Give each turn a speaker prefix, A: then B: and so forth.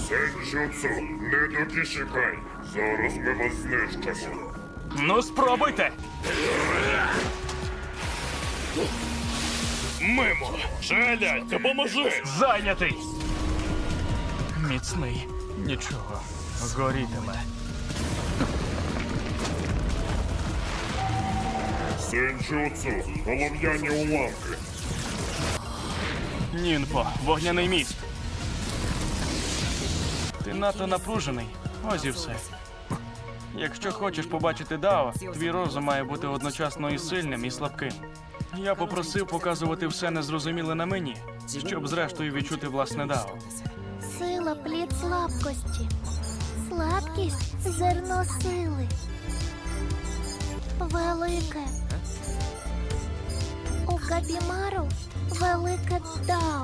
A: Сенджутсу, не докішикай. Зараз ми вас знищимо.
B: Ну, спробуйте!
C: Мимо! Шаля, допоможи!
B: Зайнятий! Міцний. Нічого. Горітиме.
A: Сенджутсу, голов'яні уламки.
B: Нінпо, вогняний міст. Ти надто напружений. Ось і все. Якщо хочеш побачити Дао, твій розум має бути одночасно і сильним, і слабким. Я попросив показувати все незрозуміле на мені, щоб зрештою відчути власне Дао.
D: Сила плід слабкості. Слабкість зерно сили. Велике. У Габімару велике Дао.